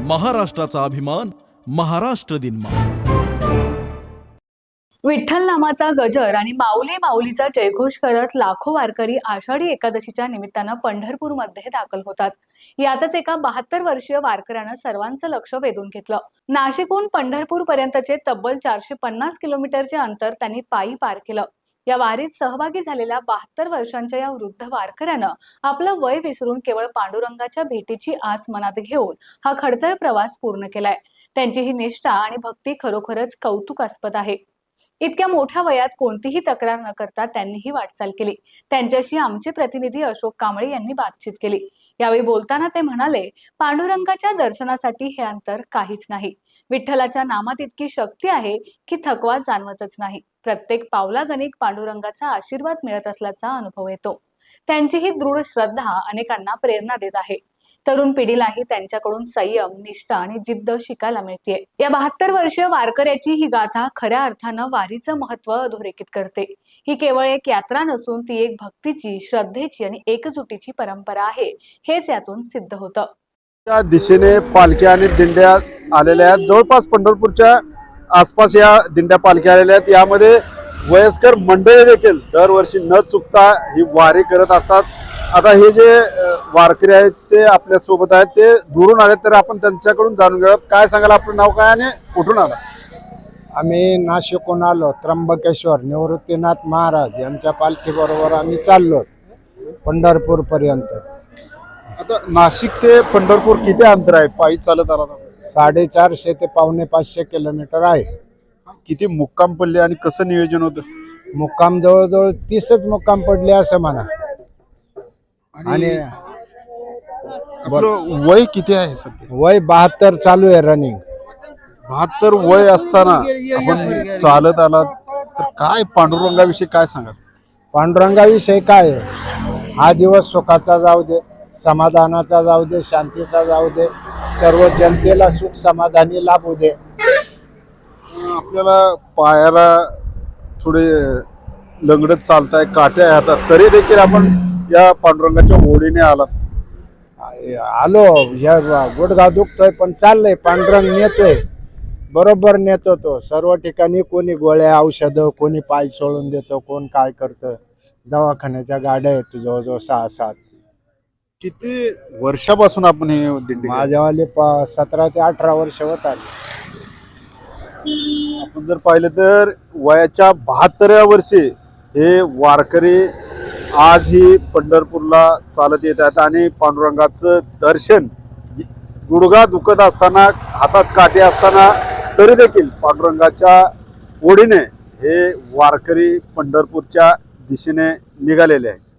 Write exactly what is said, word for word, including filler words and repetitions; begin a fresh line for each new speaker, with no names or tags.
महाराष्ट्राचा अभिमान, महाराष्ट्र दिन.
विठ्ठल नामाचा गजर आणि माऊली माऊलीचा जयघोष करत लाखो वारकरी आषाढी एकादशीच्या निमित्तानं पंढरपूरमध्ये दाखल होतात. यातच एका बहात्तर वर्षीय वारकऱ्यानं सर्वांचं लक्ष वेधून घेतलं. नाशिकहून पंढरपूर पर्यंतचे तब्बल चारशे पन्नास किलोमीटरचे अंतर त्यांनी पायी पार केलं. या वारीत सहभागी झालेल्या बहात्तर वर्षांच्या या वृद्ध वारकऱ्यानं आपलं वय विसरून केवळ पांडुरंगाच्या भेटीची आस मनात घेऊन हा खडतर प्रवास पूर्ण केलाय. त्यांची ही निष्ठा आणि भक्ती खरोखरच कौतुकास्पद आहे. इतक्या मोठ्या वयात कोणतीही तक्रार न करता त्यांनी ही वाटचाल केली. त्यांच्याशी आमचे प्रतिनिधी अशोक कांबळे यांनी बातचीत केली. यावेळी बोलताना ते म्हणाले, पांडुरंगाच्या दर्शनासाठी हे अंतर काहीच नाही. विठ्ठलाच्या नामात इतकी शक्ती आहे की थकवा जाणवतच नाही. प्रत्येक पावलागणिक पांडुरंगाचा आशीर्वाद मिळत असल्याचा अनुभव येतो. त्यांची ही दृढ श्रद्धा अनेकांना प्रेरणा देत आहे. तरुण पिढीलाही त्यांच्याकडून संयम, निष्ठा आणि जिद्द शिकायला मिळते. या बहात्तर वर्षीय वारकऱ्याची ही गाथा खऱ्या अर्थानं वारीचं महत्व अधोरेखित करते. ही केवळ एक यात्रा नसून ती एक भक्तीची, श्रद्धेची आणि एकजुटीची परंपरा आहे, हेच यातून सिद्ध होतं.
त्या दिशेने पालख्या आणि दिंड्या आलेल्या आहेत. जवळपास पंढरपूरच्या आसपास या दिंड्या पालख्या आलेल्या आहेत. यामध्ये वयस्कर मंडळी देखील दरवर्षी न चुकता ही वारी करत असतात. आता हे जे वारकरी आहेत ते आपल्या सोबत आहेत, ते दुरून आले, तर आपण त्यांच्याकडून जाणून घेऊयात. काय सांगाल, आपलं नाव काय आणि कुठून आला?
आम्ही नाशिकहून आलो. त्र्यंबकेश्वर निवृत्तीनाथ महाराज यांच्या पालखीबरोबर आम्ही चाललो पंढरपूर पर्यंत.
आता नाशिक ते पंढरपूर किती अंतर आहे पायी चालत आला?
साडेचारशे ते पावणे पाचशे किलोमीटर आहे.
किती मुक्काम पडले आणि कसं नियोजन होतं?
मुक्काम जवळजवळ तीसच मुक्काम पडले असं म्हणा. आणि
आपलं वय किती आहे सध्या?
वय बहात्तर चालू आहे रनिंग.
बहात्तर वय असताना आपण चालत आलात, तर काय पांडुरंगाविषयी काय सांगा?
पांडुरंगाविषयी काय आहे? हा दिवस सुखाचा जाऊ दे, समाधानाचा जाऊ दे, शांतीचा जाऊ दे, सर्व जनतेला सुख समाधानी लाभू दे.
आपल्याला पायाला थोडे लंगडत चालताय, काट्या हातात, तरी देखील आपण या पांडुरंगाच्या ओढीने आलात.
आलो. या गुडघा दुखतोय पण चाललंय. पांडुरंग नेतोय, बरोबर नेतो तो. सर्व ठिकाणी कोणी गोळ्या औषधं, कोणी पाय सोडून देतो, कोण काय करतं. दवाखान्याच्या गाड्या आहेत जवळजवळ सहा सात.
किती वर्षापासून आपण हे दिंडी?
माझ्यावाले सतरा ते अठरा वर्ष होत आले.
आपण जर पाहिलं तर वयाच्या बहात्तराव्या वर्षी हे वारकरी आजही पंढरपूरला चालत येत आहेत आणि पांडुरंगाचं दर्शन, गुडघा दुखत असताना, हातात काठी असताना, तरी देखील पांडुरंगाच्या ओढीने हे वारकरी पंढरपूरच्या दिशेने निघालेले आहेत.